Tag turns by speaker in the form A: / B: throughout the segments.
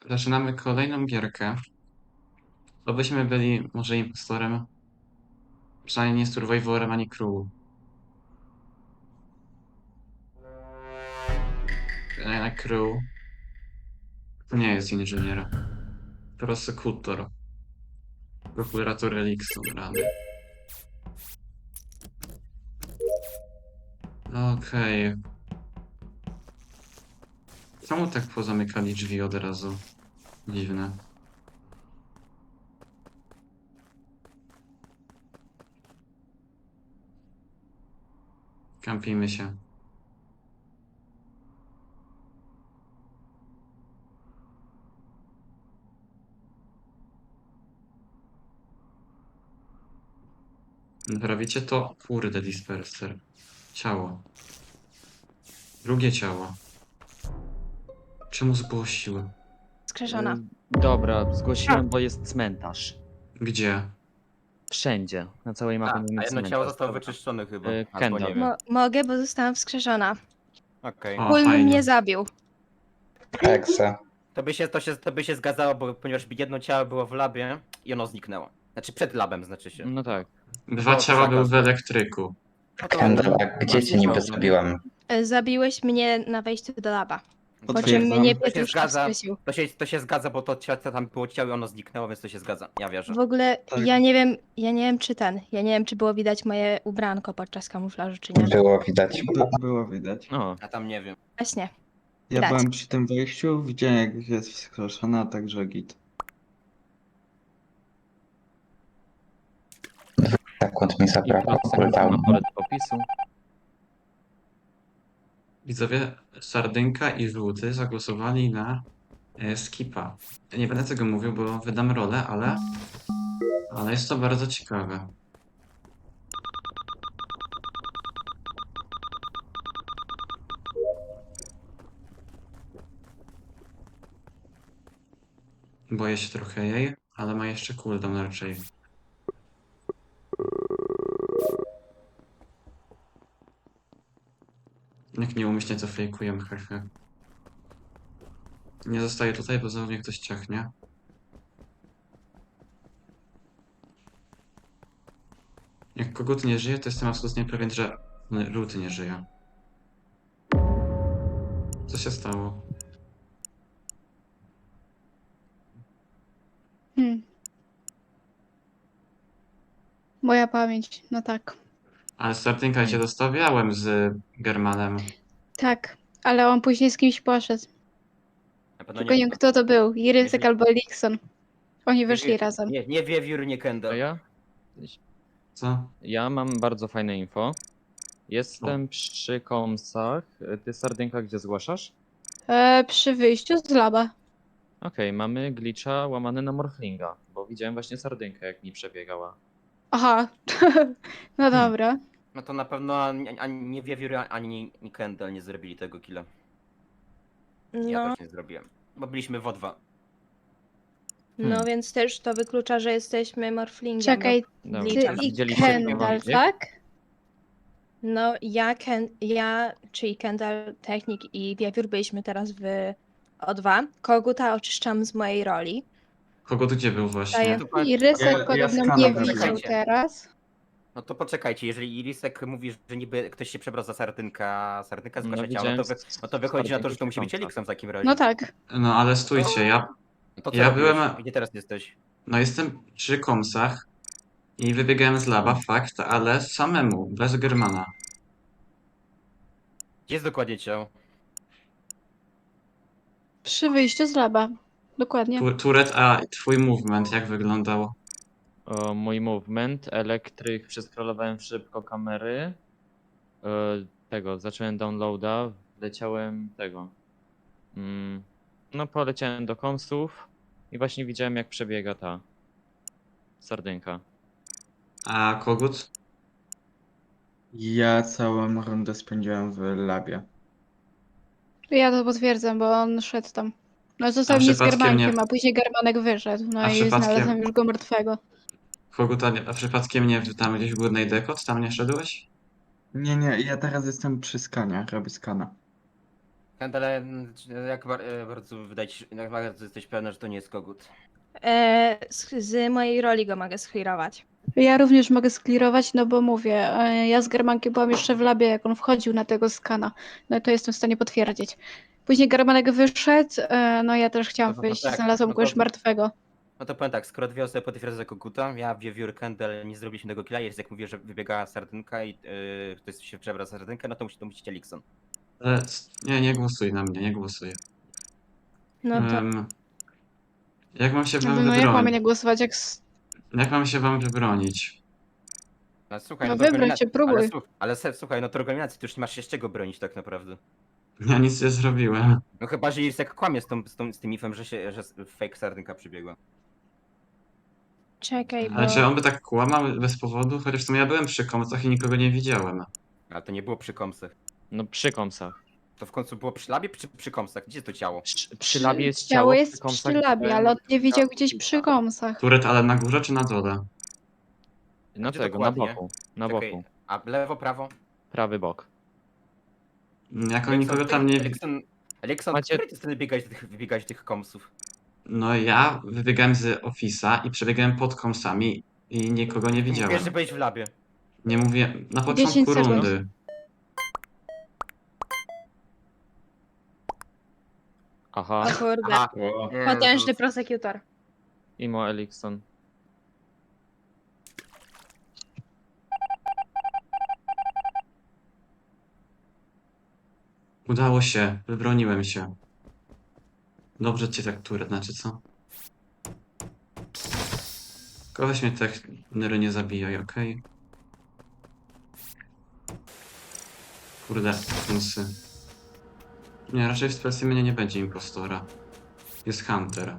A: Zaczynamy kolejną gierkę. Obyśmy byli może impostorem, przynajmniej nie survivorem ani crew. Na crew to nie jest inżynier. Prosekutor. Prokurator Elikson rany. Okej. Czemu tak pozamykali drzwi od razu? Dziwne. Kampimy się. Naprawicie to? Kurde, disperser. Ciało. Drugie ciało. Czemu zgłosił?
B: Skrzeszona.
C: Dobra, zgłosiłem, bo jest cmentarz.
A: Gdzie?
C: Wszędzie, na całej mapie mamy
D: A jedno
C: cmentarz.
D: ciało zostało wyczyszczone chyba. Albo
C: Kendall.
D: nie wiem.
B: Mogę, bo zostałam wskrzeszona.
D: Okej.
A: O,
B: Kulm
A: fajnie.
B: mnie zabił.
E: Ekse.
D: To by się zgadzało, bo ponieważ jedno ciało było w labie i ono zniknęło. Znaczy przed labem, znaczy się.
C: No tak.
A: Dwa
D: To
A: ciała były w
D: zakaz.
A: elektryku.
D: No to-
E: Kendall, a gdzie cię niby zabiłem?
B: Zabiłeś mnie na wejściu do laba. Po czym
F: Potwierdzam.
B: mnie
D: To się
B: Pietruszka
D: zgadza.
B: wskrzesił.
D: To się zgadza, bo tam było ciało i ono zniknęło, więc to się zgadza. Ja wierzę.
B: W ogóle
F: Tak.
B: ja nie wiem czy było widać moje ubranko podczas kamuflażu, czy nie.
E: Było widać.
F: Było widać.
C: O,
D: A tam nie wiem.
B: Właśnie.
F: Ja
B: Widać.
F: byłem przy tym wejściu, widziałem jak jest wskrzeszona, także git.
E: Sekund mi
C: i
E: zabrakło
C: plus
E: cooldown.
C: na pole do opisu.
A: Widzowie, Sardynka i Żółty zagłosowali na Skipa. Ja nie będę tego mówił, bo wydam rolę, ale jest to bardzo ciekawe. Boję się trochę jej, ale ma jeszcze cooldown raczej. Jak nieumyślnie to fejkuję, hehe. Nie zostaję tutaj, bo znowu mnie ktoś ciachnie. Jak kogut nie żyje, to jestem absolutnie pewien, że Żółty nie żyje. Co się stało?
G: Moja pamięć, no tak.
A: Ale Sardynka cię dostawiałem z Germanem.
G: Tak, ale on później z kimś poszedł.
D: Na pewno
G: Tylko nie wiem kto to był. Irysek
D: Jeżeli-
G: albo Elikson. Oni wyszli razem.
D: Nie Wiewiór, nie
C: A
D: Kendall.
C: ja?
A: Co?
C: Ja mam bardzo fajne info. Jestem przy komsach. Ty, Sardynka, gdzie zgłaszasz?
G: Przy wyjściu z laba.
C: Okej, mamy glitcha łamany na Morflinga, bo widziałem właśnie Sardynkę, jak mi przebiegała.
G: Aha, no dobra.
D: No to na pewno ani Wiewiór, ani Kendall nie zrobili tego killa. Ja
B: No,
D: też nie zrobiłem. Bo byliśmy w O2.
B: no więc też to wyklucza, że jesteśmy morflingiem.
G: Czekaj,
C: Dobra,
B: Ty
G: ty
B: Liczę.
G: i
C: widzieliście
G: Kendall,
C: bieg?
G: tak?
B: No czyli Kendall, Technik i Wiewiór byliśmy teraz w O2. Koguta oczyszczam z mojej roli.
A: Kogut gdzie był właśnie?
B: Daję-
G: Irysek
F: Ja
G: podobno
F: skana
G: nie
F: będę.
G: widział teraz.
D: No to poczekajcie, jeżeli Irisek mówi, że niby ktoś się przebrał za Sardynka, Sardynka
C: No,
D: zgłasza ciało,
C: widziałem
D: no to wychodzi na to, że
C: Sardynkę
D: to musi być
C: przy
D: Elikson w takim razie.
G: No tak.
A: No ale stójcie,
D: No to co
A: ja
D: robiłeś?
A: byłem-
D: Gdzie teraz jesteś?
A: no jestem przy komsach i wybiegałem z laba, fakt, ale samemu, bez Germana.
D: Gdzie jest dokładnie ciało?
G: Przy wyjściu z laba. Dokładnie.
A: Turet, a twój movement jak wyglądał?
C: O, mój movement, elektryk, przeskrolowałem szybko kamery. Zacząłem downloada, leciałem no poleciałem do komsów i właśnie widziałem, jak przebiega ta Sardynka.
A: A kogut?
F: Ja całą rundę spędziłem w labie.
G: Ja to potwierdzam, bo on szedł tam. No został
A: A
G: mnie z
A: przypadkiem
G: Germankiem,
A: nie-
G: a później Germanek wyszedł. No
A: A
G: i
A: przypadkiem-
G: znalazłem już go martwego.
A: Kogut, a przypadkiem nie tam gdzieś w górnej dekot? Tam nie szedłeś?
F: Nie, ja teraz jestem przy skanie, robię skana.
D: Kendall, bardzo wydaje ci się, jak bardzo jesteś pewna, że to nie jest kogut?
B: Z mojej roli go mogę sklirować.
G: Ja również mogę sklirować, no bo mówię, ja z Germankiem byłam jeszcze w labie, jak on wchodził na tego skana. No to jestem w stanie potwierdzić. Później Germanek wyszedł, no ja też chciałam
D: No
G: wyjść,
D: tak,
G: znalazłam
D: no
G: go już
D: to-
G: martwego.
D: No to powiem tak, skoro dwie osoby potwierdzają za koguta, ja, Wiewiór, Kendall nie zrobiliśmy tego killa, jest jak mówię, że wybiegała sardynka i ktoś się przebrał za sardynkę, no to musi Elikson.
A: Nie głosuj na mnie, nie głosuj.
B: No to
A: Jak mam się wam
G: No jak mamy
A: wybronić?
G: nie głosować,
A: Jak mam się wam wybronić?
D: No słuchaj,
G: No
D: do
G: wybroń
D: organizacji-
G: się, próbuj.
D: słuchaj, no to organizacji to już nie masz się z czego bronić tak naprawdę.
A: Ja nic nie zrobiłem.
D: No chyba, że Irsek kłamie z tym mifem, że fake sardynka przybiegła.
B: czekaj, bo...
A: Ale czy on by tak kłamał bez powodu? Chociaż w sumie ja byłem przy komcach i nikogo nie widziałem.
D: Ale to nie było przy komsach.
C: No przy komsach.
D: To w końcu było przy labie czy przy komsach? Gdzie jest to ciało?
C: Przy labie jest
G: Ciało
C: ciało,
G: jest
C: przy komsach
G: przy labie,
C: widziałem-
G: ale on nie widział gdzieś przy komsach.
A: Turet, ale na górze czy na dole?
C: Na
D: Gdzie
C: tego, na
D: dokładnie?
C: boku. Na
D: Czekaj,
C: boku.
D: a lewo, prawo?
C: Prawy bok.
A: Jako nikogo tam nie...
D: Elikson,
C: Macie-
D: który ty strony wybiegałeś do tych komsów?
A: No ja wybiegałem z Office'a i przebiegałem pod komsami i nikogo nie widziałem.
D: Wiesz, że byłeś w labie.
A: Nie mówię... Na
G: 10
A: początku
G: sekund.
A: rundy.
C: Aha.
B: O kurde,
D: Aha.
B: potężny prosekutor.
C: Imo Elikson.
A: Udało się, wybroniłem się. Dobrze cię tak, Turet, znaczy co? Tylko weź mnie tak, Nery, nie zabijaj, okej? Kurde, musy. Nie, raczej w specimenie nie będzie impostora. Jest Hunter.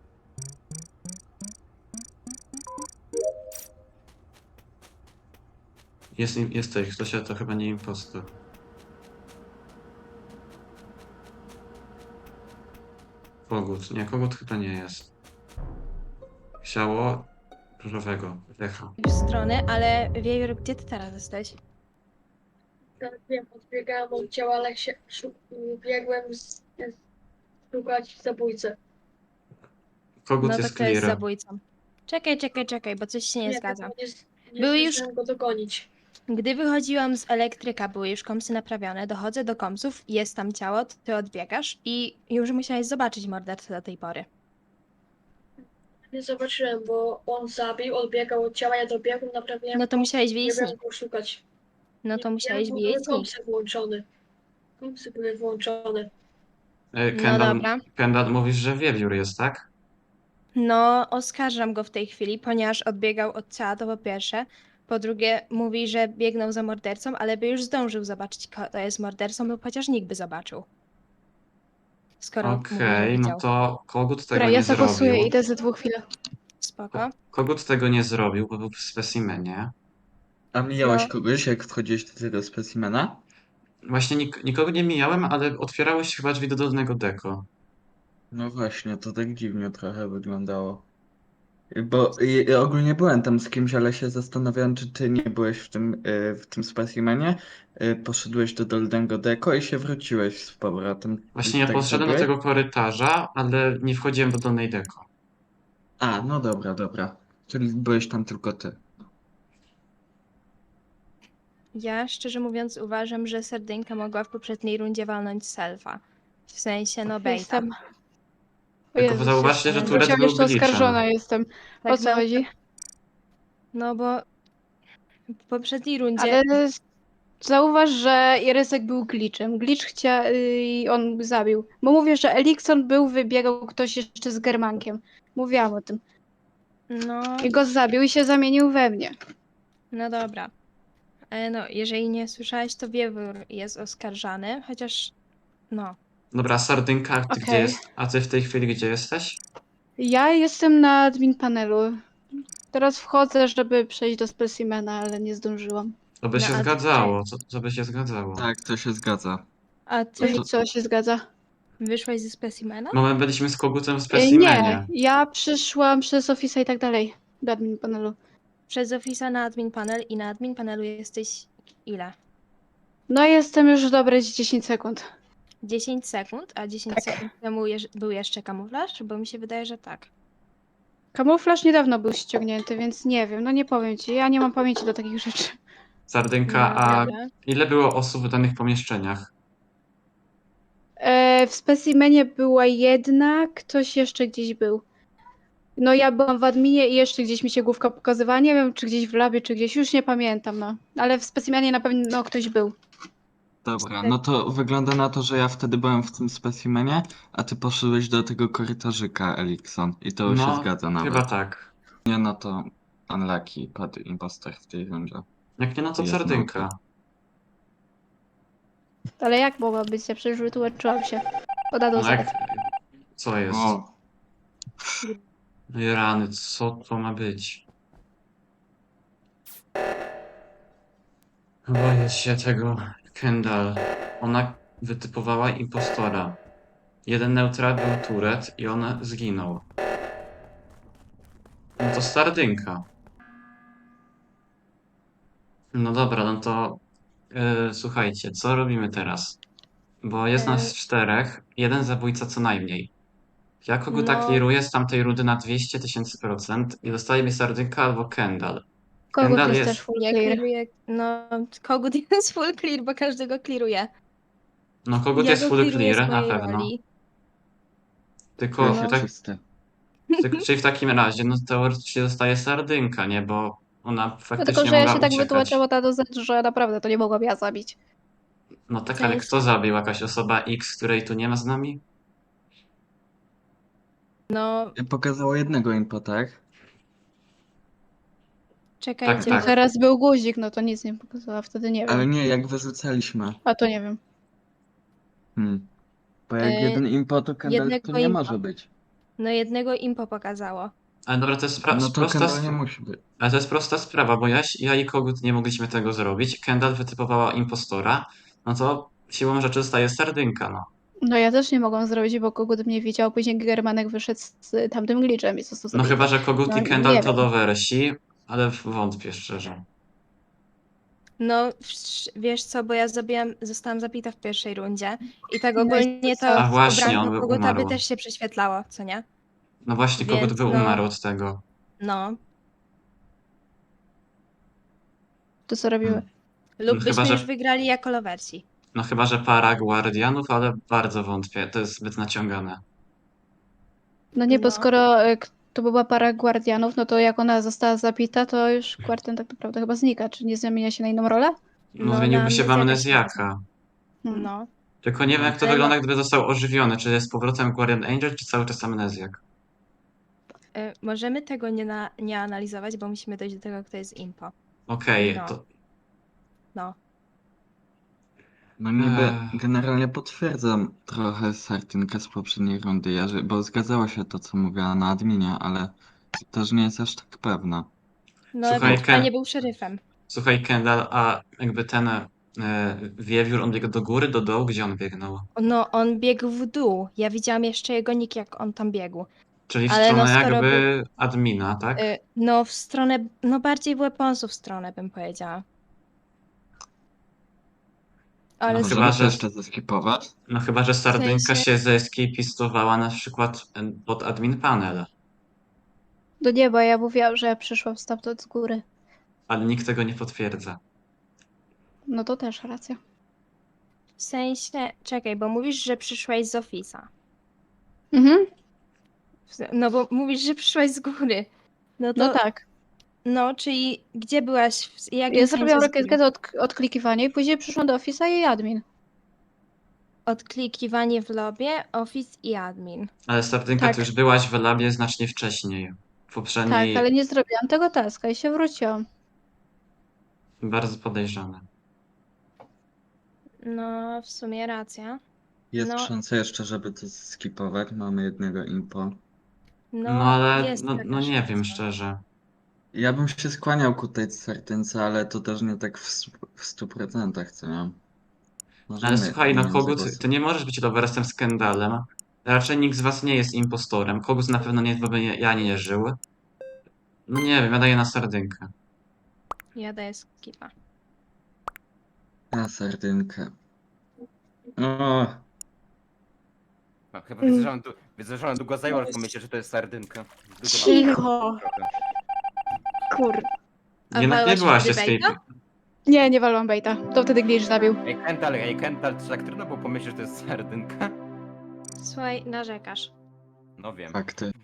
A: Jesteś, ktoś, to chyba nie impostor. Kogut. Nie, kogut chyba nie jest. Ciało różowego, Lecha.
B: W stronę, ale Wiewiór, gdzie ty teraz jesteś?
H: Tak, wiem, odbiegałem od ciała, ale biegłem szukać zabójcę.
A: Kogut
B: No to
A: jest
B: kto jest
A: clear.
B: zabójcą? Czekaj, bo coś się nie zgadza.
H: Nie
B: Były już-
H: zdążyłem go dogonić.
B: Gdy wychodziłam z elektryka, były już komsy naprawione, dochodzę do komsów, jest tam ciało, ty odbiegasz i już musiałeś zobaczyć mordercę do tej pory.
H: Nie zobaczyłem, bo on zabił, odbiegał od ciała, ja dobiegłem, naprawiłem.
B: No to musiałeś
H: nie
B: wiedzieć
H: wiem go szukać.
B: No to
H: Nie
B: musiałeś
H: wiem, bo
B: wiedzieć
H: były kompsy włączone. Kompsy były włączone.
B: No dobra.
A: Kendall, mówisz, że Wiewiór jest, tak?
B: No, oskarżam go w tej chwili, ponieważ odbiegał od ciała, to po pierwsze. Po drugie, mówi, że biegnął za mordercą, ale by już zdążył zobaczyć, kto jest mordercą, bo chociaż nikt by zobaczył. Skoro mówi, że
A: Okej, no
B: widział.
A: to kogut tego
G: Dobra,
A: nie
G: ja zagłosuję,
A: zrobił.
G: idę za 2 chwil.
B: Spoko.
A: Kogut tego nie zrobił, bo był w specimenie.
F: A mijałeś
B: No.
F: kogoś, jak wchodziłeś do tego specimena?
A: Właśnie nikogo nie mijałem, ale otwierały się chyba drzwi do dolnego deko.
F: No właśnie, to tak dziwnie trochę wyglądało. Bo ogólnie byłem tam z kimś, ale się zastanawiałem, czy ty nie byłeś w tym specimenie. Poszedłeś do dolnego deko i się wróciłeś z powrotem.
A: Właśnie ja
F: Tak
A: poszedłem do
F: zrobiłeś?
A: tego korytarza, ale nie wchodziłem do dolnej deko.
F: A, no dobra, dobra. Czyli byłeś tam tylko ty.
B: Ja szczerze mówiąc uważam, że Sardynka mogła w poprzedniej rundzie walnąć selfa. W sensie, no bejta.
G: Jestem. O
A: Tylko
G: Jezus,
A: zauważcie, że
G: jestem.
A: Turet
G: Chciałam
A: był
G: jeszcze
A: glitchem.
G: oskarżona jestem. O
B: Tak,
G: co chodzi?
B: No bo w poprzedniej rundzie...
G: Ale zauważ, że Jerysek był glitchem. Glitch i on zabił. Bo mówię, że Elikson wybiegał ktoś jeszcze z Germankiem. Mówiłam o tym.
B: No,
G: I go zabił i się zamienił we mnie.
B: no dobra. No, jeżeli nie słyszałeś, to Wiewiór jest oskarżany, chociaż... No.
A: Dobra, Sardynka, a ty gdzie
G: Okej.
A: jest? A ty w tej chwili gdzie jesteś?
G: Ja jestem na admin panelu. Teraz wchodzę, żeby przejść do specimena, ale nie zdążyłam.
A: To by
B: No,
A: się
B: a ty-
A: zgadzało. Co by się zgadzało?
F: Tak, to się zgadza.
B: A ty
G: I co się zgadza?
B: wyszłaś ze specimena?
A: No my byliśmy z kogutem w
G: Nie,
A: specimenie.
G: ja przyszłam przez Office'a i tak dalej. Do admin panelu.
B: Przez Office'a na admin panel i na admin panelu jesteś ile?
G: No jestem już dobre z 10 sekund.
B: 10 sekund, a 10
G: Tak.
B: sekund temu był jeszcze kamuflaż? Bo mi się wydaje, że tak.
G: Kamuflaż niedawno był ściągnięty, więc nie wiem, no nie powiem ci, ja nie mam pamięci do takich rzeczy.
A: Sardynka,
B: No
A: a
B: dobra.
A: ile było osób w danych pomieszczeniach?
G: W specimenie była jedna, ktoś jeszcze gdzieś był. No ja byłam w adminie i jeszcze gdzieś mi się główka pokazywała, nie wiem czy gdzieś w labie, czy gdzieś, już nie pamiętam, no. Ale w specimenie na pewno ktoś był.
F: Dobra, no to wygląda na to, że ja wtedy byłem w tym specimenie, a ty poszedłeś do tego korytarzyka, Elikson. I to się
A: No,
F: zgadza
A: chyba
F: nawet.
A: tak.
F: Nie, no to unlucky, padł impostor w tej rundzie.
A: Jak nie, no to
F: Jest
A: sardynka.
G: Ale jak mogła być? Ja przecież wytłumaczyłam się. Od A do
A: No
G: Z.
A: jak... Co jest?
F: O,
A: Ej, rany, co to ma być? Boję się tego Kendall. Ona wytypowała impostora. Jeden neutral był Turet i on zginął. No to sardynka. No dobra, no to słuchajcie, co robimy teraz? Bo jest nas
B: E,
A: 4, jeden zabójca co najmniej. Ja koguta
B: No,
A: clearuję z tamtej rundy na 200 000% i dostaje mi sardynka albo Kendall.
G: Kogut
A: Kendall
G: jest
A: jest...
G: też full
B: ja
G: clear.
B: clearuję. No, kogut jest full clear, bo każdego clearuje.
A: No kogut
B: Ja
A: jest
B: go
A: full
B: clearuję z
A: clear, na
B: mojej
A: pewno.
B: roli.
A: Tylko,
F: się
B: No.
F: czysty.
A: czyli w takim razie, no teoretycznie dostaje sardynka, nie? Bo ona
G: No
A: faktycznie
G: tylko, że ja
A: mogła
G: się tak
A: uciekać.
G: wytłumaczyła ta do Z, że naprawdę to nie mogłam ja zabić.
A: No tak,
B: W
A: ale
B: sensie-
A: kto zabił? Jakaś osoba X, której tu nie ma z nami?
B: No,
F: Pokazało jednego impo, tak?
B: czekajcie,
A: Tak.
G: No teraz był guzik, no to nic nie pokazała, wtedy nie
F: Ale
G: wiem.
F: nie, jak wyrzucaliśmy.
G: A to nie wiem.
F: Bo jak
B: E,
F: jeden impo, to Kendall
B: jednego
F: tu nie
B: impa.
F: może być.
B: No jednego impo pokazało.
A: Ale dobra, to jest
F: No to
A: prosta,
F: Kendall nie musi być.
A: ale to jest prosta sprawa, bo ja i kogut nie mogliśmy tego zrobić. Kendall wytypowała impostora, no to siłą rzeczy dostaje sardynka, no.
G: No ja też nie mogłam zrobić, bo kogut mnie widział, później Germanek wyszedł z tamtym glitchem i został
A: No
G: zabity.
A: chyba, że kogut
G: No,
A: i Kendall
G: nie
A: to
G: wiem.
A: do wersji, ale wątpię szczerze.
B: No, wiesz co, bo ja zostałam zabita w pierwszej rundzie i tak
G: No i
B: ogólnie to
A: A właśnie,
B: ubranko
A: on by
B: koguta by
A: umarł.
B: też się prześwietlało, co nie?
A: No właśnie, kogut
B: Więc
A: by
B: no-
A: umarł od tego.
B: No.
G: To co robimy?
F: Hmm.
B: Lub
A: No
B: byśmy
A: chyba, że-
B: już wygrali jako lowersi.
A: No chyba, że para guardianów, ale bardzo wątpię, to jest zbyt naciągane.
G: No nie, bo
B: No.
G: skoro to była para guardianów, no to jak ona została zabita, to już guardian tak naprawdę chyba znika. Czy nie zamienia się na inną rolę?
A: No,
B: No,
A: zmieniłby
B: na
A: się w
B: amnezjaka się
A: amnezjaka.
B: No.
A: Tylko nie wiem, jak to
B: Ale
A: wygląda,
B: no-
A: gdyby został ożywiony. Czy jest z powrotem Guardian Angel, czy cały czas amnezjak?
B: Możemy tego nie analizować, bo musimy dojść do tego, kto jest impo.
A: Okej,
B: No.
A: to...
B: No.
F: No niby
A: Ech.
F: generalnie potwierdzam trochę Sardynkę z poprzedniej rundy, bo zgadzało się to, co mówiła na adminie, ale też nie jest aż tak pewna.
B: No,
A: Słuchaj,
B: ewentualnie był szeryfem.
A: Słuchaj, Kendall, a jakby ten wiewiór, on biegł do góry, do dołu, gdzie on biegnął?
B: No, on biegł w dół. Ja widziałam jeszcze jego nick, jak on tam biegł.
A: Czyli w
B: Ale no,
A: stronę
B: skoro
A: jakby admina, tak?
B: No, w stronę, no bardziej w weaponsów stronę, bym powiedziała. Ale
A: No
F: Możemy
A: chyba,
F: to
A: że-
F: jeszcze zeskipować?
A: No chyba, że Sardynka
B: sensie-
A: się zeeskapistowała na przykład pod admin panel,
G: Do nieba, ja mówiłam, że przyszłam stamtąd z góry.
A: ale nikt tego nie potwierdza.
G: No to też racja.
B: w sensie, czekaj, bo mówisz, że przyszłaś z Office'a.
G: Mhm.
B: No bo mówisz, że przyszłaś z góry. No to,
G: No tak.
B: no, czyli gdzie byłaś? W jakim
G: Ja
B: sensie
G: zrobiłam
B: z góry?
G: rakietkę do odklikiwania i później przyszłam do Office'a i admin.
B: Odklikiwanie w lobie, Office i admin.
A: Ale Sardynka,
G: Tak.
A: ty już byłaś w labie znacznie wcześniej. W poprzedniej...
G: Tak, ale nie zrobiłam tego taska i się wróciłam.
A: Bardzo podejrzane.
B: No, w sumie racja.
F: Jest
B: No.
F: szansa jeszcze, żeby to skipować. Mamy jednego impo.
B: No,
A: No ale,
B: jest taka
A: no nie wiem
B: szansa.
A: szczerze.
F: Ja bym się skłaniał ku tej Sardynce, ale to też nie tak w 100%, co nie?
A: Ale
F: Możemy
A: słuchaj,
F: na
A: no
F: nią
A: Kogut,
F: zagłosować.
A: ty nie możesz być loversem z Kendallem. Raczej nikt z was nie jest impostorem. Kogut na pewno nie, bo ja nie żył. No nie wiem, ja daję na Sardynkę.
B: Ja daję skipa.
F: Na Sardynkę. O,
D: No, chyba widzę, że ona długo zajęła, ale pomyślę, że to jest sardynka. Długo
G: Cicho.
D: trochę.
G: Kur...
B: A
A: Jednak nie
B: walłaś
A: byłaś
B: wtedy
A: escape.
B: baita?
G: Nie walłam baita. To wtedy Glitch zabił.
D: Ej, Kendall, to tak trudno było pomyśleć, że to jest sardynka?
B: Słuchaj, narzekasz.
D: No wiem.
F: Fakty.